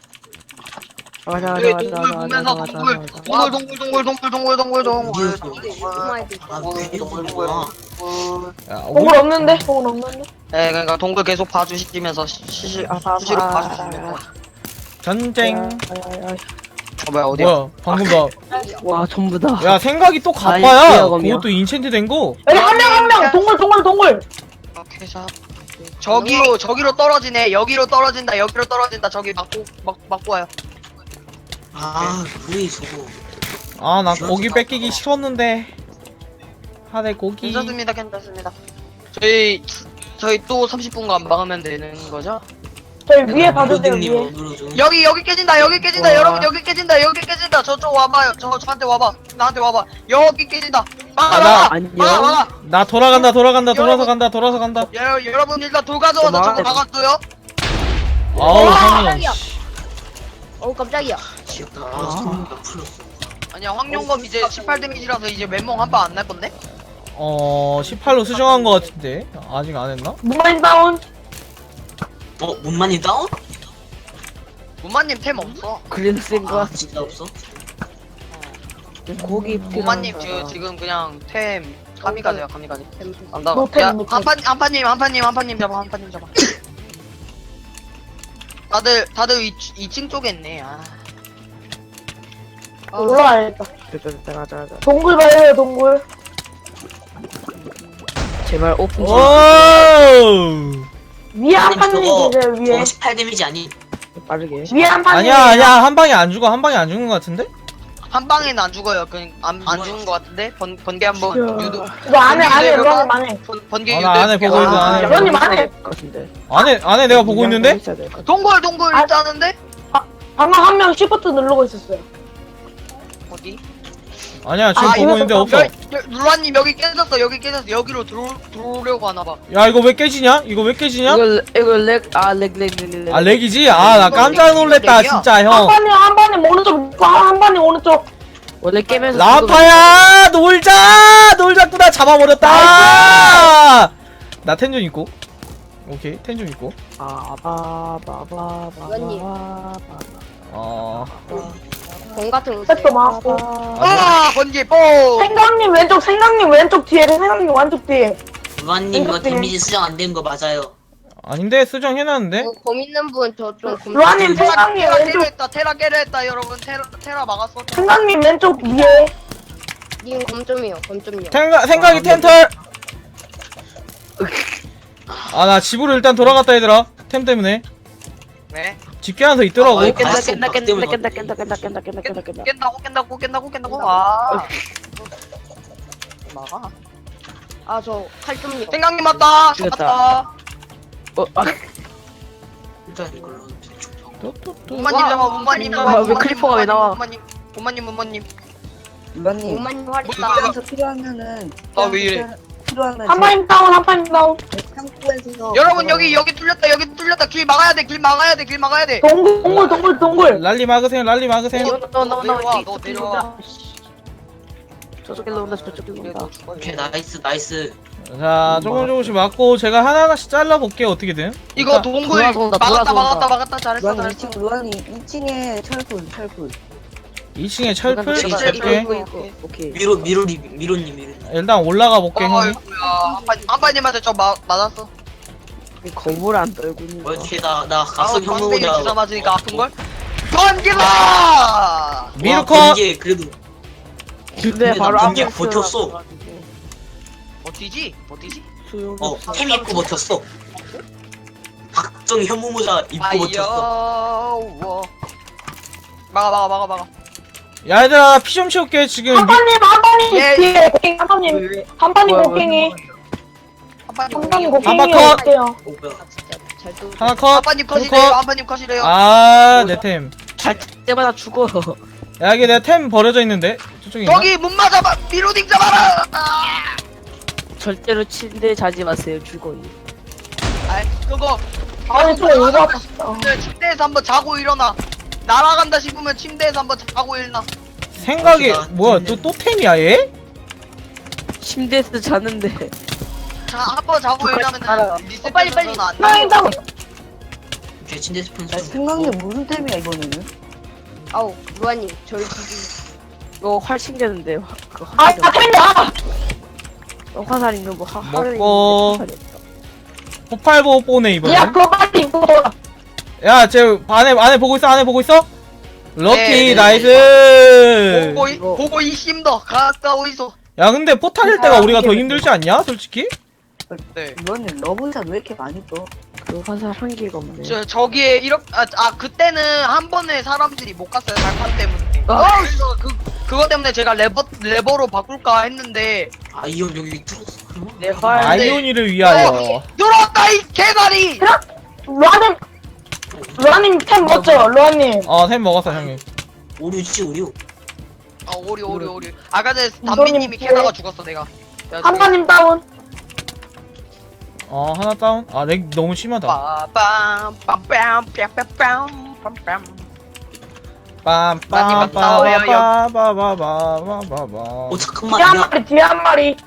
Speaker 6: 저희 동굴 보면서 동굴 동굴 동굴 동굴 동굴 동굴 동굴 동굴
Speaker 5: 이스마일도
Speaker 8: 아,
Speaker 5: 있고.
Speaker 8: 괜히 동굴구나.
Speaker 1: 야,
Speaker 10: 동굴 없는데? 동굴 없는데?
Speaker 6: 네 그러니까 동굴 계속 봐주시면서 시시 수시로 봐주시면
Speaker 1: 전쟁.
Speaker 6: 어 뭐야 어디야?
Speaker 1: 뭐야? 방금 나.
Speaker 10: 와 전부 다.
Speaker 1: 야, 생각이 또 가빠야. 그것도 인챈트 된 거.
Speaker 10: 여기 한 명 한 명. 동굴 동굴 동굴.
Speaker 6: 오케이 자 저기로 저기로 떨어지네 여기로 떨어진다 여기로 떨어진다 저기 막고 막 막고 와요.
Speaker 8: 아, 우리 저거.
Speaker 1: 아, 나 고기 뺏기기 싫었는데. 하대 고기.
Speaker 6: 괜찮습니다 괜찮습니다. 저희 저희 또 삼십 분간 막으면 되는 거죠?
Speaker 10: 저희 위에 봐주세요,
Speaker 8: 로딩님
Speaker 10: 위에.
Speaker 8: 누르죠.
Speaker 6: 여기 여기 깨진다 여기 깨진다
Speaker 10: 와.
Speaker 6: 여러분 여기 깨진다 여기 깨진다 저쪽 와봐요 저 저한테 와봐 나한테 와봐 여기 깨진다 막아
Speaker 1: 아, 나-
Speaker 6: 막아 막아 막아
Speaker 1: 나 돌아간다 돌아간다 돌아서
Speaker 6: 여러분.
Speaker 1: 간다 돌아서 간다.
Speaker 6: 여, 여러분 일단 돌 가져와서 저거 막았어요
Speaker 1: 아우
Speaker 5: 와,
Speaker 1: 형님.
Speaker 5: 깜짝이야. 어우 깜짝이야.
Speaker 8: 지었다. 아, 손가 풀렸어.
Speaker 6: 아니야 황룡검 이제 십팔 데미지라서 이제 왼몸 한 방 안 날 건데
Speaker 1: 어 십팔로 수정한 거 같은데 아직 안 했나?
Speaker 10: 문마인 다운.
Speaker 8: 어, 문만이 다운?
Speaker 6: 무마님 템 없어
Speaker 8: 아, 진짜 없어?
Speaker 10: 고기
Speaker 6: 무마님 지금 지금 그냥 템 가미가세요 가미가세 안
Speaker 10: 노
Speaker 6: 나가
Speaker 10: 템,
Speaker 6: 야
Speaker 10: 노 템.
Speaker 6: 한판 한판님 한판님 한판님 잡아 한판님 잡아 다들 다들 이, 이 층 쪽에 있네 아.
Speaker 10: 올라와야겠다. 동굴 봐요, 동굴.
Speaker 1: 제발 오픈. 오.
Speaker 10: 위에 한 판이
Speaker 8: 저거
Speaker 10: 계세요, 위에.
Speaker 8: 어, 십팔 데미지 아니?
Speaker 10: 위에 한 판이.
Speaker 1: 아니야 아니야 한 방에 안 죽어 한 방에 안 죽는 거 같은데?
Speaker 6: 한 방에는 안 죽어요 그냥 안, 안 죽은 것 같은데 번, 번개 한번
Speaker 10: 야.
Speaker 6: 유도
Speaker 10: 이거 안해, 안해, 루아님 안해.
Speaker 6: 번, 번개
Speaker 1: 아,
Speaker 6: 유도
Speaker 1: 나 안에 보고 있어, 안에.
Speaker 10: 루아님 안해.
Speaker 1: 안에 안에 내가 보고 있는데?
Speaker 6: 동굴 동굴
Speaker 10: 아.
Speaker 6: 짜는데
Speaker 10: 방금 한 명 시프트 누르고 있었어요.
Speaker 6: 어디
Speaker 1: 아니야 지금
Speaker 10: 아,
Speaker 1: 보고
Speaker 10: 이거
Speaker 1: 있는데
Speaker 10: 좀
Speaker 1: 없어.
Speaker 6: 룰라님 여기 깨졌어 여기 깨졌어 여기로 들어 들어오려고 하나봐
Speaker 1: 야 이거 왜 깨지냐? 이거 왜 깨지냐?
Speaker 11: 이거 이거 렉아렉렉렉렉
Speaker 1: 아 렉이지? 아 나 깜짝 놀랬다 진짜
Speaker 10: 한
Speaker 1: 형.
Speaker 10: 판이, 한 판이 오른쪽, 한 판이 오른쪽.
Speaker 11: 원래 깨면서
Speaker 1: 라파야 놀자 놀자꾸나 잡아버렸다. 나 텐션 있고. 오케이 텐션 있고.
Speaker 5: 이건님.
Speaker 1: 어.
Speaker 5: 공 같은 거
Speaker 10: 백도
Speaker 5: 있어요.
Speaker 10: 맞고.
Speaker 6: 아 번개 뽕
Speaker 10: 생강님 왼쪽, 생강님 왼쪽 뒤에, 생강님 왼쪽 뒤에.
Speaker 8: 문만님 이거
Speaker 10: 생각해.
Speaker 8: 데미지 수정 안 된 거 맞아요.
Speaker 1: 아닌데 수정해놨는데?
Speaker 5: 어, 검 있는 분 저좀 검.
Speaker 10: 루아님 생강님
Speaker 6: 테라 깨려
Speaker 10: 왼쪽,
Speaker 6: 했다 테라 깨려 했다 여러분 테라 테라 막았어
Speaker 10: 생강님 왼쪽 위에.
Speaker 5: 님 검점이요 검점이요.
Speaker 1: 생각 생각이 텐털. 아 나 집으로 일단 돌아갔다 얘들아. 템 때문에
Speaker 6: 네
Speaker 1: 집 깨면서 있더라고.
Speaker 8: 아,
Speaker 11: 깬다
Speaker 8: 봤어,
Speaker 11: 깬다
Speaker 8: 박
Speaker 11: 깬다
Speaker 8: 때문에
Speaker 11: 깬다 깬다 깬다 깬다 깬다 깬다 깬다
Speaker 6: 깬다고 깬다고 깬다고 깬다고 아 막아
Speaker 5: 아 저 칼 좀요.
Speaker 6: 생강님 맞다
Speaker 11: 죽였다.
Speaker 6: 맞다
Speaker 11: 어, 아,
Speaker 8: 일단 이걸로
Speaker 6: 문마님 잡아 문마님
Speaker 11: 와,
Speaker 6: 잡아
Speaker 11: 왜
Speaker 6: 문마님,
Speaker 11: 클리퍼가 왜 나와?
Speaker 6: 문마님 문마님 문마님
Speaker 5: 오만님 활 있다.
Speaker 6: 아왜 이래
Speaker 10: 한 판이 다운, 한 판이 다운.
Speaker 6: 여러분 여기 여기 뚫렸다 여기 뚫렸다 길 막아야 돼길 막아야 돼길 막아야 돼
Speaker 10: 동굴, 동굴, 동굴, 동굴.
Speaker 1: 랄리 막으세요 랄리 막으세요.
Speaker 11: 너, 너, 너,
Speaker 6: 내려와
Speaker 11: 너,
Speaker 6: 너 내려와
Speaker 11: 저쪽 길로 온다 저쪽 길로 온다
Speaker 8: 오케이 나이스 나이스.
Speaker 1: 자 조금 조금씩 맞고 제가 하나하나씩 잘라볼게요 어떻게든.
Speaker 6: 이거 동굴
Speaker 11: 돌아서 온다,
Speaker 6: 막았다
Speaker 11: 돌아서
Speaker 6: 막았다
Speaker 11: 온다.
Speaker 6: 막았다 잘했어 잘했어
Speaker 1: 이 층에 철풀
Speaker 11: 이거,
Speaker 8: 철-
Speaker 11: 이거,
Speaker 1: 이렇게
Speaker 11: 이거, 이거. 오케이
Speaker 8: 미로 미로리 미로님 미로.
Speaker 1: 일단 올라가 볼게
Speaker 6: 어
Speaker 1: 형님.
Speaker 6: 이거야 한판 한판님한테 저 마, 맞았어
Speaker 11: 거울 안 떨고 있는 거
Speaker 8: 어떻게 나나
Speaker 6: 아우
Speaker 8: 각성
Speaker 6: 방댕이 주사
Speaker 8: 혐오자.
Speaker 6: 맞으니까 아픈걸? 번개다
Speaker 1: 미르커
Speaker 8: 이게 그래도
Speaker 11: 근데
Speaker 8: 근데
Speaker 11: 바로
Speaker 8: 나 번개
Speaker 11: 앞에
Speaker 8: 버텼어.
Speaker 6: 버티지? 버티지?
Speaker 11: 소용
Speaker 8: 어
Speaker 11: 없어
Speaker 8: 템 입고 버텼어. 각성 혐오자 입고 버텼어.
Speaker 6: 아이여 막아 막아 막아 막아
Speaker 1: 야 얘들아 피 좀 채울게 지금.
Speaker 10: 한 판님, 한 판님
Speaker 6: 예.
Speaker 10: 뒤에. 곡괭이, 한 판님. 한 판님
Speaker 11: 뭐야,
Speaker 10: 곡괭이.
Speaker 6: 한판님
Speaker 10: 한 판님
Speaker 6: 곡괭이
Speaker 10: 곡괭이
Speaker 1: 컷.
Speaker 10: 어때요?
Speaker 8: 어 뭐야?
Speaker 5: 아 진짜 잘 또.
Speaker 1: 하나 컷.
Speaker 6: 한판님
Speaker 1: 둘
Speaker 6: 컷이래요
Speaker 1: 컷.
Speaker 6: 한판님 컷이래요
Speaker 1: 아내 템.
Speaker 11: 잘 때마다 죽어
Speaker 1: 야 이게 내 템 버려져 있는데 저쪽에 있나?
Speaker 6: 저기 문 맞아봐 미로딩 잡아라 아
Speaker 11: 절대로 침대에 자지 마세요 죽어요
Speaker 6: 아이 그거
Speaker 10: 아니, 저
Speaker 6: 나가서
Speaker 10: 오바
Speaker 6: 침대- 침대에서 한번 자고 일어나 날아간다 싶으면 침대에서 한번 자고 일어나
Speaker 1: 생각이
Speaker 8: 아,
Speaker 1: 뭐야 또 또 템이야 얘?
Speaker 11: 침대에서 자는데
Speaker 6: 자 한번 자고
Speaker 11: 알아.
Speaker 6: 일어나면 리셋
Speaker 5: 어, 빨리, 빨리.
Speaker 6: 되면서 안
Speaker 10: 생강님 다운.
Speaker 8: 오케이 침대 스폰 수.
Speaker 11: 무슨 템이야 이거는
Speaker 5: 아우 루아님 저희 지금
Speaker 11: 이거 활 챙겼는데 화, 그
Speaker 10: 아,
Speaker 11: 화살이
Speaker 10: 아, 템이야!
Speaker 11: 없어. 화살 있는 뭐 화, 활을
Speaker 1: 먹고.
Speaker 11: 있는데 화살이 없다
Speaker 1: 폭발보 뽀네 이번엔.
Speaker 10: 야, 그거 빨리 입고 돌아.
Speaker 1: 야쟤 안에 안에 보고 있어 안에 보고 있어? 럭키
Speaker 6: 네, 네,
Speaker 1: 나이스.
Speaker 6: 보고 이
Speaker 11: 이거-
Speaker 6: 보고 이 심더 가까워 있어
Speaker 1: 야 근데 포탈일 때가 우리가 더 힘들지 않냐 솔직히?
Speaker 6: 네
Speaker 11: 이거는 러브샷 왜 이렇게 많이 떠? 그 화살 한 개가 없네
Speaker 6: 저 저기에 이렇게 아, 아 그때는 한 번에 사람들이 못 갔어요 달판 때문에
Speaker 11: 아.
Speaker 6: 그래서 그 그거 때문에 제가 레버 레버로 바꿀까 했는데
Speaker 8: 아이언 여기 뚫었어.
Speaker 11: 내활
Speaker 1: 아이오니를 위하여.
Speaker 6: 들어왔다 이 개다리
Speaker 10: 루아님, 로아님 템 먹죠, 로아님.
Speaker 1: 어템 먹었어 형님.
Speaker 8: 오류지 오류.
Speaker 6: 아 오리 오리 오리. 아까 전에 담비님이 캐다가 죽었어 내가. 야,
Speaker 10: 한마님 다운.
Speaker 1: 어 하나 다운. 아 렉 너무 심하다.
Speaker 6: 빠밤 빰빰 뺨뺨 빰빰.
Speaker 1: 빰빰빰빰빰빰빰빰빰.
Speaker 8: 어 잠깐만.
Speaker 10: 뒤에 한
Speaker 8: 야,
Speaker 10: 마리, 뒤에 한 마리.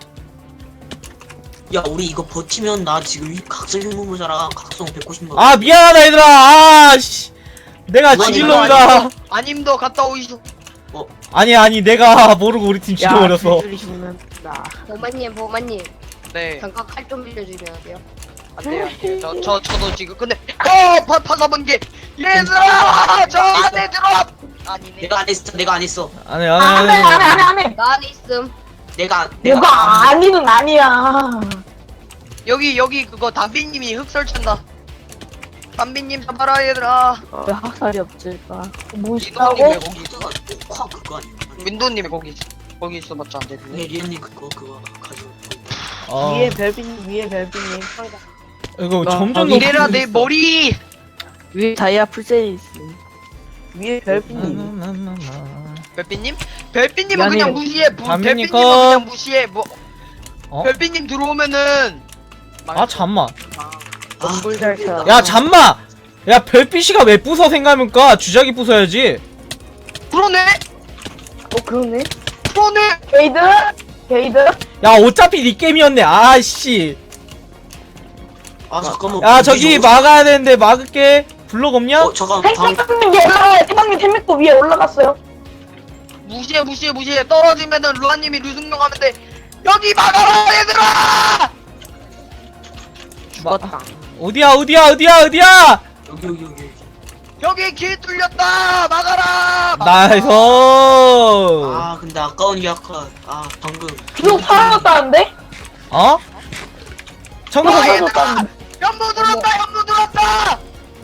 Speaker 8: 야 우리 이거 버티면 나 지금 이 각성 혐오모자랑 각성 백구십 만.
Speaker 1: 아 미안하다 얘들아. 아씨 내가 지질놈이다.
Speaker 6: 아님도 갔다 오이쇼.
Speaker 1: 아니 아니 내가 모르고 우리 팀 지켜버렸어.
Speaker 5: 보마님 보마님
Speaker 6: 네.
Speaker 5: 잠깐 칼 좀 빌려주면 안 돼요?
Speaker 6: 안 돼요. 안 돼요. 저, 저, 저도 지금 근데 어! 파, 파사본 게 얘들아! 저 안에 들어와! 아니네.
Speaker 8: 내가 안 했어. 내가 안 했어.
Speaker 1: 안해
Speaker 10: 안
Speaker 1: 안해
Speaker 10: 해, 안 해, 안 해,
Speaker 1: 안해.
Speaker 10: 안 해.
Speaker 5: 나 안에 있음.
Speaker 8: 내가 내가
Speaker 10: 뭐가 아니는 아니야.
Speaker 6: 여기 여기 그거 담비님이 흙 설치한다. 담비님 잡아라 얘들아.
Speaker 11: 왜 학살이 없을까?
Speaker 6: 민도님 왜
Speaker 10: 뭐시다고?
Speaker 6: 거기 있어?
Speaker 8: 화 그거 아니야.
Speaker 6: 민도님 왜 거기 있어? 거기 있어봤자 안
Speaker 8: 네
Speaker 6: 되는데.
Speaker 8: 리언님 그거 그거 가지고.
Speaker 1: 어
Speaker 11: 위에 별빈 위에 별빈님.
Speaker 1: 이거
Speaker 11: 나-
Speaker 1: 점점
Speaker 11: 나
Speaker 6: 이래라
Speaker 1: 높아지고
Speaker 6: 내
Speaker 1: 있어.
Speaker 6: 머리.
Speaker 11: 위에 다이아 풀셋이 있음. 위에 별빈님.
Speaker 6: 별빛님? 별빛님은
Speaker 11: 미안해요.
Speaker 6: 그냥 무시해. 부,
Speaker 1: 담비님
Speaker 6: 별빛님은
Speaker 1: 거.
Speaker 6: 그냥 무시해. 뭐
Speaker 1: 어?
Speaker 6: 별빛님 들어오면은.
Speaker 1: 아 잠만.
Speaker 8: 아
Speaker 11: 꿀잘 쳐.
Speaker 1: 야 잠만. 야 별빛이가 왜 부숴 생각하니까 주작이 부숴야지.
Speaker 6: 그러네.
Speaker 11: 어 그러네.
Speaker 6: 그러네.
Speaker 10: 게이드? 게이드?
Speaker 1: 야 어차피 니 게임이었네. 아씨.
Speaker 8: 아 잠깐만.
Speaker 1: 야 저기 막아야 되는데 막을게. 블록 없냐?
Speaker 8: 어 잠깐 다음.
Speaker 10: 생강님 위에 올라가요. 생강님 템 믿고 위에 올라갔어요.
Speaker 6: 무시해 무시해 무시해. 떨어지면은 루아님이 루승용 하면 돼. 여기 막아라 얘들아.
Speaker 11: 죽었다.
Speaker 1: 어디야 어디야 어디야 어디야?
Speaker 8: 여기 여기 여기. 여기.
Speaker 6: 여기 길 뚫렸다. 막아라.
Speaker 1: 나이스.
Speaker 8: 아 근데 아까운 게 아까 아 방금.
Speaker 10: 비록 사라졌다는데?
Speaker 1: 어? 청소.
Speaker 6: 와 얘들아. 현무 들었다. 현무 들었다.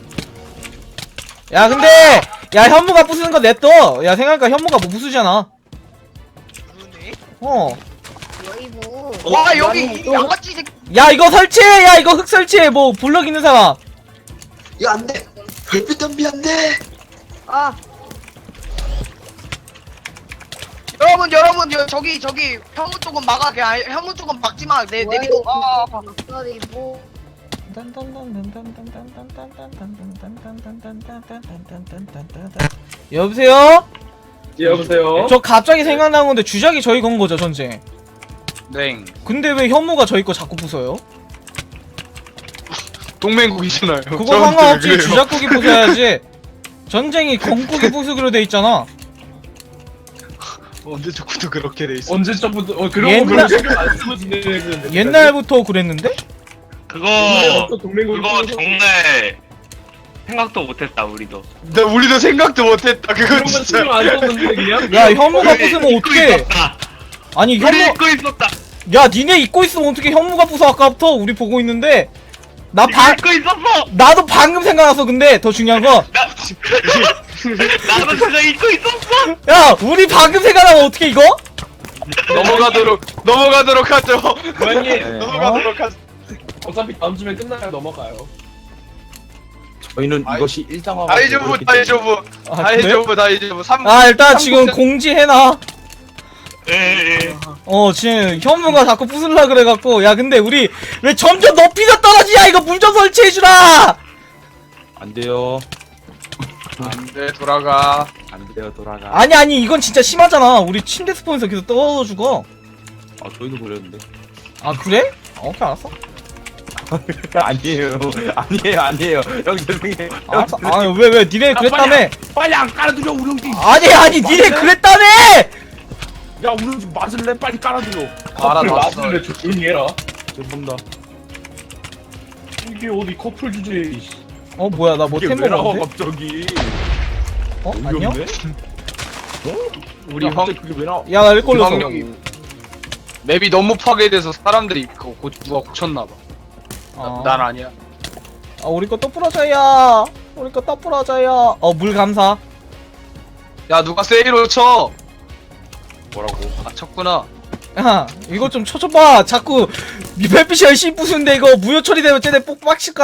Speaker 1: 야 근데 야 현무가 부수는 거 냅둬. 야 생각해니까 현무가 뭐 부수잖아.
Speaker 6: 그러네.
Speaker 1: 어.
Speaker 5: 여이부.
Speaker 6: 와 여기 이 양아치 새끼.
Speaker 1: 야 이거 설치해. 야 이거 흙 설치해. 뭐 블럭 있는 사람.
Speaker 8: 야 안돼. 별빛 덤비 안돼.
Speaker 5: 아
Speaker 6: 여러분 여러분 여, 저기 저기 현무 쪽은 막아. 그냥 현무 쪽은 막지 마. 내 내리고. 아.
Speaker 5: 여이부.
Speaker 1: 여보세요?
Speaker 9: 예, 여보세요.
Speaker 1: 저 갑자기 생각난 건데 주작이 저희 건 거죠 전쟁.
Speaker 2: 네.
Speaker 1: 근데 왜 현무가 저희 거 자꾸 부숴요?
Speaker 2: 동맹국이잖아요.
Speaker 1: 그거 상관없지. 주작국이 부숴야지. 전쟁이 건국이 부수기로 돼 있잖아.
Speaker 2: 언제부터 그렇게 돼 있어?
Speaker 9: 언제적부터 어 그런
Speaker 1: 옛날-
Speaker 9: 거 별로 신경 안 쓰고 지내는데.
Speaker 1: 옛날부터 그랬는데?
Speaker 12: 그거
Speaker 9: 또 동맹국
Speaker 12: 그거 정말 생각도 못했다 우리도.
Speaker 2: 나 우리도 생각도 못했다. 그거
Speaker 9: 그런 거
Speaker 2: 진짜.
Speaker 9: 신경 안 썼는데 그냥.
Speaker 1: 야 현무가
Speaker 12: 우리
Speaker 1: 부수면
Speaker 12: 잊고
Speaker 1: 어떡해.
Speaker 12: 있었다.
Speaker 1: 아니
Speaker 12: 우리
Speaker 1: 현무
Speaker 12: 잊고 있었다.
Speaker 1: 야 니네 잊고 있으면 어떻게 현무가 부숴 아까부터 우리 보고 있는데 나
Speaker 12: 이거
Speaker 1: 방
Speaker 12: 잊고 있었어.
Speaker 1: 나도 방금 생각났어. 근데 더 중요한 거
Speaker 12: 나 나도 그거 잊고 있었어.
Speaker 1: 야 우리 방금 생각나면 어떻게 이거?
Speaker 2: 넘어가도록 넘어가도록 하죠.
Speaker 9: 고양이
Speaker 2: 넘어가도록 하죠.
Speaker 9: 어차피 다음 주에 끝나야 넘어가요.
Speaker 7: 저희는
Speaker 2: 아이-
Speaker 7: 이것이 일상화가
Speaker 2: 다이조부 다이조부
Speaker 1: 아, 그래?
Speaker 2: 다이조부 다이조부 삼.
Speaker 1: 아 일단
Speaker 2: 삼
Speaker 1: 지금
Speaker 2: 곳에-
Speaker 1: 공지해놔.
Speaker 12: 예.
Speaker 1: 어 지금 현무가 자꾸 부술라 그래갖고 야 근데 우리 왜 점점 높이가 떨어지냐 이거 문 좀 설치해주라.
Speaker 7: 안 돼요.
Speaker 2: 안돼 돌아가.
Speaker 7: 안 돼요. 돌아가.
Speaker 1: 아니 아니 이건 진짜 심하잖아. 우리 침대 스폰에서 계속 떨어져 죽어.
Speaker 7: 아 저희도 그랬는데.
Speaker 1: 아 그래? 어, 오케이 알았어.
Speaker 7: 아니에요. 아니에요. 아니에요. 형 죄송해요.
Speaker 1: 알았어. 아왜 왜 니네 그랬다며?
Speaker 7: 빨리 안 깔아드려 우렁지.
Speaker 1: 아니 아니 니네 그랬다며?
Speaker 7: 야 우렁지 맞을래? 빨리 깔아드려.
Speaker 2: 알아놨어.
Speaker 9: 맞을래 조용히 해라.
Speaker 7: 죄송합니다.
Speaker 9: 이게 어디 커플 주제에.
Speaker 1: 어 뭐야 나 뭐
Speaker 7: 이게
Speaker 1: 템
Speaker 7: 왜 나와
Speaker 1: 먹었는데?
Speaker 7: 갑자기?
Speaker 1: 어
Speaker 7: 어이없네?
Speaker 1: 안녕?
Speaker 2: 우리
Speaker 7: 야,
Speaker 2: 황
Speaker 7: 갑자기 그게 왜 나와?
Speaker 1: 야나 일 걸렸어.
Speaker 2: 황룡이 맵이 너무 파괴돼서 사람들이 그거 고, 누가 고쳤나봐.
Speaker 1: 어.
Speaker 2: 난 아니야.
Speaker 1: 아 우리 거 또 부러져야. 우리 거 또 부러져야. 어 물 감사.
Speaker 2: 야 누가 세이로 쳐?
Speaker 7: 뭐라고?
Speaker 2: 아 쳤구나.
Speaker 1: 야 이거 좀 쳐줘봐. 자꾸 니 별빛이 열심히 부수는데 이거 무효 처리되면 쟤네 뽁 빡칠까?